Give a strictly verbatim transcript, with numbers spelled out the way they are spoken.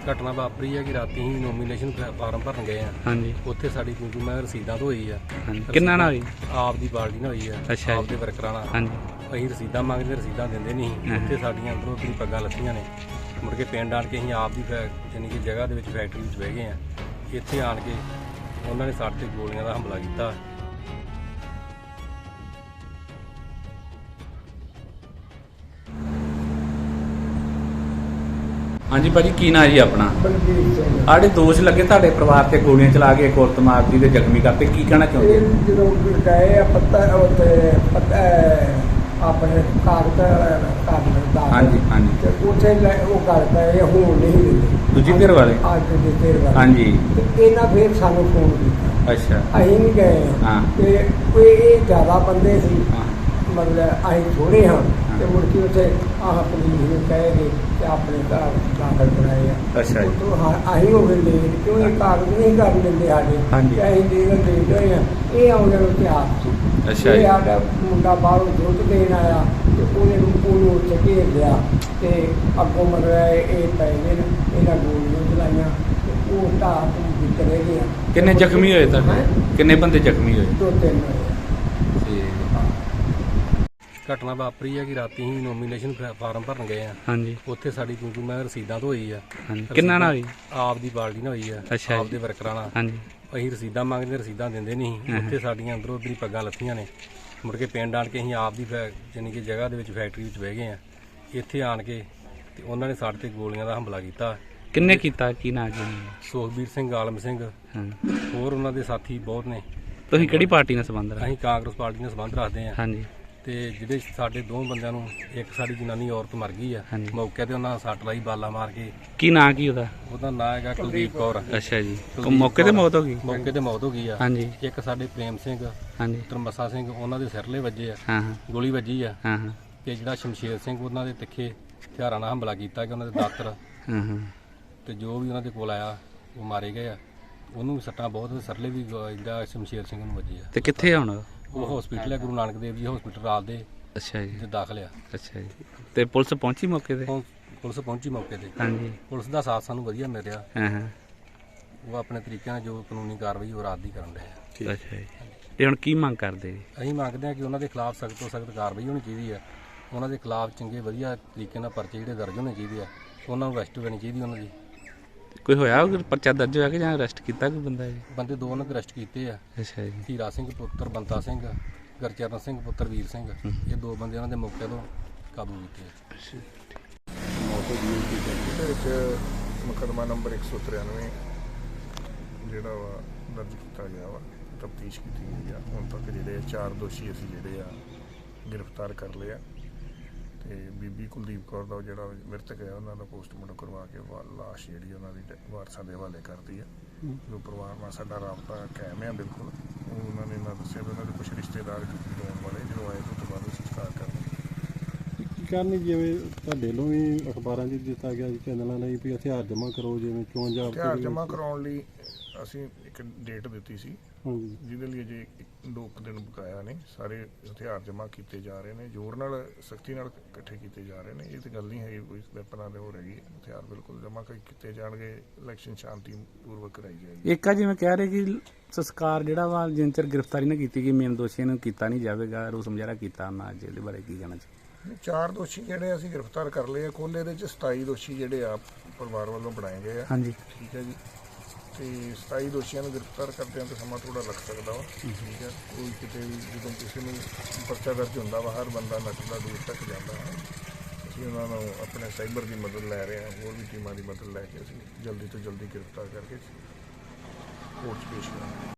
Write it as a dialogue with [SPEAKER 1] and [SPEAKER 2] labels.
[SPEAKER 1] ਘਟਨਾ ਵਾਪਰੀ ਹੈ ਕਿ ਰਾਤੀ ਹੀ ਨੋਮੀਨੇਸ਼ਨ ਫਾਰਮ ਭਰਨ ਗਏ ਆ।
[SPEAKER 2] ਹਾਂਜੀ
[SPEAKER 1] ਉੱਥੇ ਸਾਡੀ ਕਿਉਂਕਿ ਮੈਂ ਰਸੀਦਾਂ ਤੋਂ ਹੋਈ ਆ।
[SPEAKER 2] ਹਾਂਜੀ ਕਿੰਨਾ ਨਾਲ ਹੋਈ?
[SPEAKER 1] ਆਪ ਦੀ ਬਾਲਟੀ ਨਾਲ ਹੋਈ ਆ।
[SPEAKER 2] ਅੱਛਾ
[SPEAKER 1] ਆਪ
[SPEAKER 2] ਜੀ।
[SPEAKER 1] ਦੇ ਵਰਕਰਾਂ ਨਾਲ।
[SPEAKER 2] ਹਾਂਜੀ
[SPEAKER 1] ਅਸੀਂ ਰਸੀਦਾਂ ਮੰਗਦੇ ਰਸੀਦਾਂ ਦਿੰਦੇ ਨਹੀਂ ਸੀ। ਉੱਥੇ ਸਾਡੀਆਂ ਅੰਦਰੋਂ ਵੀ ਪੱਗਾਂ ਲੱਥੀਆਂ ਨੇ। ਮੁੜ ਕੇ ਪਿੰਡ ਆਣ ਕੇ ਅਸੀਂ ਆਪ ਦੀ ਯਾਨੀ ਕਿ ਜਗ੍ਹਾ ਦੇ ਵਿੱਚ ਫੈਕਟਰੀ ਵਿੱਚ ਬਹਿ ਗਏ ਆ। ਇੱਥੇ ਆਣ ਕੇ ਉਹਨਾਂ ਨੇ ਸਾਡੇ ਤੇ ਗੋਲੀਆਂ ਦਾ ਹਮਲਾ ਕੀਤਾ।
[SPEAKER 2] ਹਾਂਜੀ ਭਾਜੀ ਕੀ ਨਾਂ ਜੀ ਆਪਣਾ?
[SPEAKER 3] ਬਲਬੀਰ ਸਿੰਘ।
[SPEAKER 2] ਆੜੇ ਦੋਸ਼ ਲੱਗੇ ਤੁਹਾਡੇ ਪਰਿਵਾਰ ਤੇ ਗੋਲੀਆਂ ਚਲਾ ਕੇ ਔਰਤ ਮਾਰਦੀ ਤੇ ਜ਼ਖਮੀ ਕਰਤੇ, ਕੀ ਕਹਿਣਾ ਚਾਹੁੰਦੇ?
[SPEAKER 3] ਇਹ ਜਦੋਂ ਗਏ ਆ ਪੱਤਾ ਉੱਥੇ ਪੱਤਾ ਆਪਣੇ ਕਾਗਜ਼ ਕਾਗਜ਼ ਦਾ
[SPEAKER 2] ਹਾਂਜੀ ਹਾਂਜੀ
[SPEAKER 3] ਤੇ ਉੱਥੇ ਲੈ- ਉਹ ਗੱਲ ਪਏ ਹੋਣ ਨਹੀਂ ਦਿੰਦੇ
[SPEAKER 2] ਦੂਜੀ ਧਿਰ ਵਾਲੇ?
[SPEAKER 3] ਅੱਜ ਦੇ ਧਿਰ ਵਾਲੇ।
[SPEAKER 2] ਹਾਂਜੀ
[SPEAKER 3] ਤੇ ਇਹਨਾਂ ਫਿਰ ਸਾਨੂੰ ਫੋਨ ਕੀਤਾ।
[SPEAKER 2] ਅੱਛਾ
[SPEAKER 3] ਅਸੀਂ ਨਹੀਂ ਗਏ
[SPEAKER 2] ਹਾਂ।
[SPEAKER 3] ਤੇ ਕੋਈ ਇਹ ਜ਼ਿਆਦਾ ਬੰਦੇ ਸੀ,
[SPEAKER 2] ਹਾਂ
[SPEAKER 3] ਮਤਲਬ ਅਸੀਂ ਥੋੜੇ ਹਾਂ। ਤੇ ਮੁੜ ਕੇ ਉੱਥੇ ਆਹ ਪੁਲਿਸ ਨੂੰ ਕਹਿ ਗਏ ਤੇ ਆਪਣੇ ਘਰ ਦਾਖਲ ਕਰਾਏ ਆ।
[SPEAKER 2] ਅੱਛਾ ਜੀ।
[SPEAKER 3] ਉੱਥੋਂ ਹਾਂ ਅਸੀਂ ਹੋ ਗਏ ਲੇਟ, ਕਿਉਂ ਇਹ ਕਾਗਜ਼ ਨਹੀਂ ਕਰਨ ਦਿੰਦੇ ਸਾਡੇ।
[SPEAKER 2] ਹਾਂਜੀ।
[SPEAKER 3] ਤੇ ਅਸੀਂ ਦੇ ਲੇਟ ਹੋਏ ਆ। ਇਹ ਆਉਂਦੇ ਨੂੰ ਤਿਆਰ ਸੀ।
[SPEAKER 2] ਅੱਛਾ
[SPEAKER 3] ਇਹ
[SPEAKER 2] ਜੀ।
[SPEAKER 3] ਸਾਡਾ ਮੁੰਡਾ ਬਾਹਰੋਂ ਦੁੱਧ ਦੇਣ ਆਇਆ ਤੇ ਉਹਨੇ ਨੂੰ ਉਹਨੂੰ ਉੱਥੇ ਘੇਰ ਲਿਆ ਤੇ ਅੱਗੋਂ ਮਤਲਬ ਇਹ ਪੈ ਗਏ ਨੇ, ਇਹਨਾਂ ਗੋਲੀਆਂ ਚਲਾਈਆਂ ਤੇ ਉਹ ਢਾਹ ਤੋਂ ਵਿਚਲੇ ਗਿਆ।
[SPEAKER 2] ਕਿੰਨੇ ਜ਼ਖਮੀ ਹੋਏ ਤੁਹਾਡੇ?
[SPEAKER 3] ਹੈਂ?
[SPEAKER 2] ਕਿੰਨੇ ਬੰਦੇ ਜ਼ਖਮੀ ਹੋਏ?
[SPEAKER 3] ਦੋ ਤਿੰਨ ਹੋਏ।
[SPEAKER 1] ਘਟਨਾ ਵਾਪਰੀ ਹੈ ਕਿ ਰਾਤੀ ਹੀ ਨੋਮੀਨੇਸ਼ਨ ਫਾਰਮ ਭਰਨ ਗਏ ਆ।
[SPEAKER 2] ਹਾਂਜੀ
[SPEAKER 1] ਉੱਥੇ ਸਾਡੀ ਕਿਉਂਕਿ ਮੈਂ ਰਸੀਦਾਂ ਤੋਂ ਹੋਈ ਆ।
[SPEAKER 2] ਹਾਂਜੀ ਕਿੰਨਾ ਨਾਲ ਹੋਈ?
[SPEAKER 1] ਆਪ ਦੀ ਬਾਲਟੀ ਨਾਲ ਹੋਈ ਆ।
[SPEAKER 2] ਅੱਛਾ
[SPEAKER 1] ਆਪ
[SPEAKER 2] ਜੀ।
[SPEAKER 1] ਦੇ ਵਰਕਰਾਂ ਨਾਲ।
[SPEAKER 2] ਹਾਂਜੀ
[SPEAKER 1] ਅਸੀਂ ਰਸੀਦਾਂ ਮੰਗਦੇ ਰਸੀਦਾਂ ਦਿੰਦੇ ਨਹੀਂ ਸੀ। ਉੱਥੇ ਸਾਡੀਆਂ ਅੰਦਰੋਂ ਉੱਧਰ ਹੀ ਪੱਗਾਂ ਲੱਥੀਆਂ ਨੇ। ਮੁੜ ਕੇ ਪਿੰਡ ਆਣ ਕੇ ਅਸੀਂ ਆਪ ਦੀ ਯਾਨੀ ਕਿ ਜਗ੍ਹਾ ਦੇ ਵਿੱਚ ਫੈਕਟਰੀ ਵਿੱਚ ਬਹਿ ਗਏ ਆ। ਇੱਥੇ ਆਣ ਕੇ ਤੇ ਉਹਨਾਂ ਨੇ ਸਾਡੇ ਤੇ ਗੋਲੀਆਂ ਦਾ ਹਮਲਾ ਕੀਤਾ।
[SPEAKER 2] ਕਿੰਨੇ ਕੀਤਾ? ਕੀ ਨਾਂ ਜੀ?
[SPEAKER 1] ਸੁਖਬੀਰ ਸਿੰਘ, ਆਲਮ ਸਿੰਘ,
[SPEAKER 2] ਹਾਂ
[SPEAKER 1] ਹੋਰ ਉਹਨਾਂ ਦੇ ਸਾਥੀ ਬਹੁਤ ਨੇ।
[SPEAKER 2] ਤੁਸੀਂ ਕਿਹੜੀ ਪਾਰਟੀ ਨਾਲ ਸੰਬੰਧ ਰੱਖਦੇ?
[SPEAKER 1] ਅਸੀਂ ਕਾਂਗਰਸ ਪਾਰਟੀ ਨਾਲ ਸੰਬੰਧ ਰੱਖਦੇ ਆ।
[SPEAKER 2] ਹਾਂਜੀ
[SPEAKER 1] ਤੇ ਜਿਹੜੇ ਸਾਡੇ ਦੋ ਬੰਦਿਆਂ ਨੂੰ, ਇੱਕ ਸਾਡੀ ਜਨਾਨੀ ਔਰਤ ਮਰ ਗਈ ਆ
[SPEAKER 2] ਹਾਂਜੀ।
[SPEAKER 1] ਮੌਕੇ ਤੇ ਉਹਨਾਂ ਸੱਟ ਲਾਈ ਬਾਲਾ ਮਾਰ ਕੇ।
[SPEAKER 2] ਕੀ ਨਾਂ ਕੀ ਉਹਦਾ?
[SPEAKER 1] ਉਹਦਾ ਨਾਂ ਹੈਗਾ ਕੁਲਦੀਪ ਕੌਰ।
[SPEAKER 2] ਅੱਛਾ ਜੀ।
[SPEAKER 1] ਕੁਲਦੀਪ
[SPEAKER 2] ਮੌਕੇ ਤੇ
[SPEAKER 1] ਕੌਰ।
[SPEAKER 2] ਮੌਤ ਹੋ ਗਈ?
[SPEAKER 1] ਮੌਕੇ ਤੇ ਮੌਤ ਹੋ ਗਈ ਆ।
[SPEAKER 2] ਹਾਂਜੀ
[SPEAKER 1] ਇੱਕ ਸਾਡੇ ਪ੍ਰੇਮ ਸਿੰਘ,
[SPEAKER 2] ਹਾਂਜੀ
[SPEAKER 1] ਪੁੱਤਰ ਮੱਸਾ ਸਿੰਘ, ਉਹਨਾਂ ਦੇ ਸਿਰਲੇ ਵੱਜੇ ਆ,
[SPEAKER 2] ਹਾਂ ਹਾਂ
[SPEAKER 1] ਗੋਲੀ ਵੱਜੀ ਆ।
[SPEAKER 2] ਹਾਂ ਹਾਂ
[SPEAKER 1] ਤੇ ਜਿਹੜਾ ਸ਼ਮਸ਼ੇਰ ਸਿੰਘ, ਉਹਨਾਂ ਦੇ ਤਿੱਖੇ ਹਥਿਆਰਾਂ ਨਾਲ ਹਮਲਾ ਕੀਤਾ ਕਿ ਉਹਨਾਂ ਦੇ ਦਾਤਰ
[SPEAKER 2] ਹਾਂ ਹਾਂ
[SPEAKER 1] ਤੇ ਜੋ ਵੀ ਉਹਨਾਂ ਦੇ ਕੋਲ ਆਇਆ ਉਹ ਮਾਰੇ ਗਏ ਆ। ਉਹਨੂੰ ਵੀ ਸੱਟਾਂ ਬਹੁਤ, ਸਿਰਲੇ ਵੀ ਜਿਹੜਾ ਸ਼ਮਸ਼ੇਰ ਸਿੰਘ ਨੂੰ ਵੱਜੇ ਆ।
[SPEAKER 2] ਤੇ ਕਿੱਥੇ ਆ ਹੁਣ?
[SPEAKER 1] ਉਹ ਹਸਪੀਟਲ ਹੈ, ਗੁਰੂ ਨਾਨਕ ਦੇਵ ਜੀ ਹਸਪੀਟਲ ਰਾਲ ਦੇ
[SPEAKER 2] ਅੱਛਾ ਜੀ।
[SPEAKER 1] ਤੇ ਦਾਖਲ ਆ।
[SPEAKER 2] ਅੱਛਾ ਜੀ। ਤੇ ਪੁਲਿਸ ਪਹੁੰਚੀ ਮੌਕੇ ਤੇ?
[SPEAKER 1] ਹੁਣ ਪੁਲਿਸ ਪਹੁੰਚੀ ਮੌਕੇ ਤੇ।
[SPEAKER 2] ਹਾਂਜੀ
[SPEAKER 1] ਪੁਲਿਸ ਦਾ ਸਾਥ ਸਾਨੂੰ ਵਧੀਆ ਮਿਲ ਰਿਹਾ।
[SPEAKER 2] ਹਾਂ ਹਾਂ
[SPEAKER 1] ਉਹ ਆਪਣੇ ਤਰੀਕੇ ਨਾਲ ਜੋ ਕਾਨੂੰਨੀ ਕਾਰਵਾਈ ਉਹ ਰਾਤ ਦੀ ਕਰਨ ਰਹੇ ਆ।
[SPEAKER 2] ਅੱਛਾ ਜੀ। ਤੇ ਹੁਣ ਕੀ ਮੰਗ ਕਰਦੇ ਜੀ?
[SPEAKER 1] ਅਸੀਂ ਮੰਗਦੇ ਹਾਂ ਕਿ ਉਹਨਾਂ ਦੇ ਖਿਲਾਫ ਸਖਤ ਤੋਂ ਸਖਤ ਕਾਰਵਾਈ ਹੋਣੀ ਚਾਹੀਦੀ ਹੈ। ਉਹਨਾਂ ਦੇ ਖਿਲਾਫ ਚੰਗੇ ਵਧੀਆ ਤਰੀਕੇ ਨਾਲ ਪਰਚੇ ਜਿਹੜੇ ਦਰਜ ਹੋਣੇ ਚਾਹੀਦੇ ਆ। ਉਹਨਾਂ ਨੂੰ ਅਰੈਸਟ ਕਰਨੀ ਚਾਹੀਦੀ ਉਹਨਾਂ ਦੀ।
[SPEAKER 2] ਕੋਈ ਹੋਇਆ ਉਹ ਪਰਚਾ ਦਰਜ ਹੋਇਆ ਕਿ ਜਾਂ ਅਰੈਸਟ ਕੀਤਾ ਕੋਈ ਬੰਦਾ ਜੀ?
[SPEAKER 1] ਬੰਦੇ ਦੋ ਉਹਨਾਂ ਦੇ ਅਰੈਸਟ ਕੀਤੇ ਆ।
[SPEAKER 2] ਅੱਛਾ ਜੀ।
[SPEAKER 1] ਹੀਰਾ ਸਿੰਘ ਪੁੱਤਰ ਬੰਤਾ ਸਿੰਘ, ਗੁਰਚਰਨ ਸਿੰਘ ਪੁੱਤਰ ਵੀਰ ਸਿੰਘ, ਇਹ ਦੋ ਬੰਦੇ ਉਹਨਾਂ ਦੇ ਮੌਕੇ ਤੋਂ ਕਾਬੂ ਕੀਤੇ ਆ।
[SPEAKER 4] ਇਹਦੇ ਵਿੱਚ ਮੁਕੱਦਮਾ ਨੰਬਰ ਇੱਕ ਸੌ ਤਰਾਨਵੇਂ ਜਿਹੜਾ ਵਾ ਦਰਜ ਕੀਤਾ ਗਿਆ ਵਾ, ਤਫਤੀਸ਼ ਕੀਤੀ ਗਈ ਆ। ਹੁਣ ਤੱਕ ਜਿਹੜੇ ਚਾਰ ਦੋਸ਼ੀ ਅਸੀਂ ਜਿਹੜੇ ਆ ਗ੍ਰਿਫਤਾਰ ਕਰ ਲਏ ਆ। ਤੇ ਬੀਬੀ ਕੁਲਦੀਪ ਕੌਰ ਦਾ ਜਿਹੜਾ ਮ੍ਰਿਤਕ ਹੈ ਉਹਨਾਂ ਦਾ ਪੋਸਟਮਾਰਟਮ ਕਰਵਾ ਕੇ ਵਾ- ਲਾਸ਼ ਜਿਹੜੀ ਉਹਨਾਂ ਦੀ ਡੈ- ਵਾਰਸਾਂ ਦੇ ਹਵਾਲੇ ਕਰਤੀ ਆ। ਜੋ ਪਰਿਵਾਰ ਨਾਲ ਸਾਡਾ ਰਾਬਤਾ ਕਾਇਮ ਆ ਬਿਲਕੁਲ। ਉਹ ਉਹਨਾਂ ਨੇ ਨਾ ਦੱਸਿਆ ਵੀ ਉਹਨਾਂ ਦੇ ਕੁਝ ਰਿਸ਼ਤੇਦਾਰ ਹੋਣ ਵਾਲੇ ਜਦੋਂ ਆਏ ਤੋਂ ਬਾਅਦ ਸੰਸਕਾਰ ਕਰਨਾ।
[SPEAKER 5] ਕੀ ਕਰਨੀ, ਜਿਵੇਂ ਤੁਹਾਡੇ ਵੱਲੋਂ ਵੀ ਅਖਬਾਰਾਂ 'ਚ ਦਿੱਤਾ ਗਿਆ ਜੀ ਚੈਨਲਾਂ ਲਈ ਵੀ ਹਥਿਆਰ ਜਮ੍ਹਾਂ ਕਰੋ, ਜਿਵੇਂ ਚੋਣ ਜਾਬਤੇ
[SPEAKER 4] ਹਥਿਆਰ
[SPEAKER 5] ਦੇ
[SPEAKER 4] ਜਮ੍ਹਾਂ
[SPEAKER 5] ਵਿੱਚ।
[SPEAKER 4] ਕਰਾਉਣ ਲਈ ਅਸੀਂ ਇੱਕ ਡੇਟ ਦਿੱਤੀ ਸੀ,
[SPEAKER 5] ਹਾਂਜੀ
[SPEAKER 4] ਜਿਹਦੇ ਲਈ ਅਜੇ ਇੱਕ- ਦੋ ਕੁ ਦਿਨ ਬਕਾਇਆ ਨੇ। ਸਾਰੇ ਹਥਿਆਰ ਜਮ੍ਹਾਂ ਕੀਤੇ ਜਾ ਰਹੇ ਨੇ, ਜ਼ੋਰ ਨਾਲ ਸਖਤੀ ਨਾਲ ਇਕੱਠੇ ਕੀਤੇ ਜਾ ਰਹੇ ਨੇ। ਇਹ ਤਾਂ ਗੱਲ ਨਹੀਂ ਹੈ ਕੋਈ ਵੈਪਨਾਂ ਦੇ ਹੋ ਰਹੀ ਹਥਿਆਰ ਬਿਲਕੁਲ ਜਮ੍ਹਾਂ ਕੀਤੇ ਜਾਣਗੇ। ਇਲੈਕਸ਼ਨ ਸ਼ਾਂਤੀ ਪੂਰਵਕ ਕਰਾਈ ਜਾਏਗੀ।
[SPEAKER 2] ਇੱਕ ਆ ਜਿਵੇਂ ਕਹਿ ਰਹੇ ਕਿ ਸੰਸਕਾਰ ਜਿਹੜਾ ਵਾ ਜਿੰਨ ਚਿਰ ਗ੍ਰਿਫਤਾਰੀ ਨਾ ਕੀਤੀ ਗਈ ਮੇਨ ਦੋਸ਼ੀਆਂ ਨੂੰ ਕੀਤਾ ਨਹੀਂ ਜਾਵੇਗਾ, ਰੋਸ ਮੁਜ਼ਾਹਰਾ ਕੀਤਾ ਉਹਨਾਂ ਅੱਜ, ਇਹਦੇ ਬਾਰੇ ਕੀ ਕਹਿਣਾ ਚਾਹੀਦਾ?
[SPEAKER 4] ਚਾਰ ਦੋਸ਼ੀ ਜਿਹੜੇ ਅਸੀਂ ਗ੍ਰਿਫਤਾਰ ਕਰ ਲਏ ਆ। ਕੁੱਲ ਇਹਦੇ ਚ ਸਤਾਈ ਦੋਸ਼ੀ ਜਿਹੜੇ ਆ ਪਰਿਵਾਰ ਵੱਲੋਂ ਬਣਾਏ ਗਏ ਆ।
[SPEAKER 2] ਹਾਂਜੀ
[SPEAKER 4] ਠੀਕ ਹੈ ਜੀ। ਤੇ ਸਤਾਈ ਦੋਸ਼ੀਆਂ ਨੂੰ ਗ੍ਰਿਫਤਾਰ ਕਰਦਿਆਂ ਤਾਂ ਸਮਾਂ ਥੋੜਾ ਲੱਗ ਸਕਦਾ ਵਾ। ਠੀਕ ਹੈ। ਕੋਈ ਕਿਤੇ ਵੀ ਜਦੋਂ ਕਿਸੇ ਨੂੰ ਪਰਚਾ ਦਰਜ ਹੁੰਦਾ ਵਾ, ਹਰ ਬੰਦਾ ਨੱਠਦਾ ਦੂਰ ਤੱਕ ਜਾਂਦਾ ਹੈ। ਅਸੀਂ ਉਹਨਾਂ ਨੂੰ ਆਪਣੇ ਸਾਈਬਰ ਦੀ ਮਦਦ ਲੈ ਰਹੇ ਹਾਂ, ਹੋਰ ਵੀ ਟੀਮਾਂ ਦੀ ਮਦਦ ਲੈ ਕੇ ਅਸੀਂ ਜਲਦੀ ਤੋਂ ਜਲਦੀ ਗ੍ਰਿਫਤਾਰ ਕਰਕੇ ਕੋਰਟ 'ਚ ਪੇਸ਼ ਕਰਾਂਗੇ।